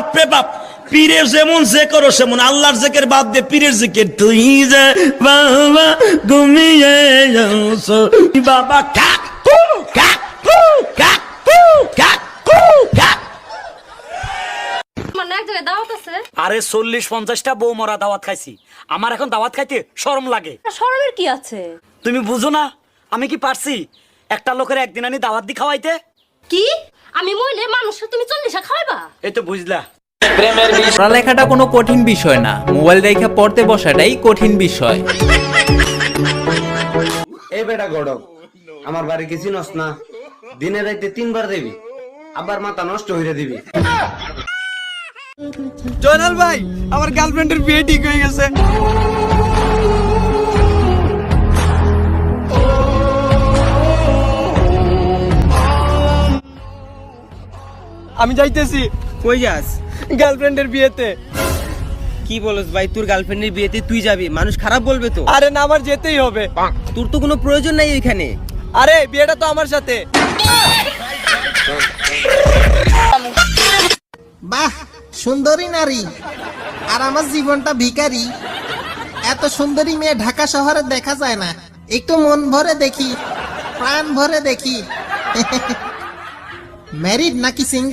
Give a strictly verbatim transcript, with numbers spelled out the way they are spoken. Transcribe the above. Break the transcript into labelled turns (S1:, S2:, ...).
S1: বাপরে বাপ, পীরের যেমন যে করো সেমন, আল্লাহর জিকির বাদ দিয়ে পীরের জিকির। তুই যে বাবা ঘুমিয়ে যাও বাবা, কাকু কাকু কাকু কাকু কাকু।
S2: মানে এক জায়গায় দাওয়াত আছে।
S3: আরে চল্লিশ পঞ্চাশটা বউ মরা দাওয়াত খাইছি, আমার এখন দাওয়াত খাইতে শরম লাগে।
S2: শরমের কি আছে?
S3: তুমি বুঝো না আমি কি পারছি একটা লোকের একদিন আনি দাওয়াত দি খাওয়াইতে?
S2: কি আমি মইলে মানুষকে তুমি চল্লিশা খাওয়াইবা?
S3: এই তো বুঝলা।
S4: পড়ালেখাটা কোনো কঠিন বিষয় না, মোবাইল দেখে পড়তে বসাটাই কঠিন বিষয়।
S5: এই বেটা গড়ক, আমার বাড়ি কি চিনস না? দিনে রাইতে তিনবার দিবি, আবার মাথা নষ্ট হইরে দিবি।
S6: জয়নাল ভাই, আমার গার্লফ্রেন্ডের বিয়ে ঠিক হয়ে গেছে। আমি যাইতেছি।
S7: কই যাস?
S6: গার্লফ্রেন্ডের বিয়েতে।
S7: কি বলস ভাই, তোর গার্লফ্রেন্ডের বিয়েতে তুই যাবি? মানুষ খারাপ বলবে তো।
S6: আরে না, আমার যেতেই হবে।
S7: তোর তো কোনো প্রয়োজন নাই এখানে।
S6: আরে বিয়েটা তো আমার সাথে।
S8: বাহ, সুন্দরী নারী, আর আমার জীবনটা ভিখারি। এত সুন্দরী মেয়ে ঢাকা শহরে দেখা যায় না। একটু মন ভরে দেখি, প্রাণ ভরে দেখি। ম্যারিড নাকি সিঙ্গেল?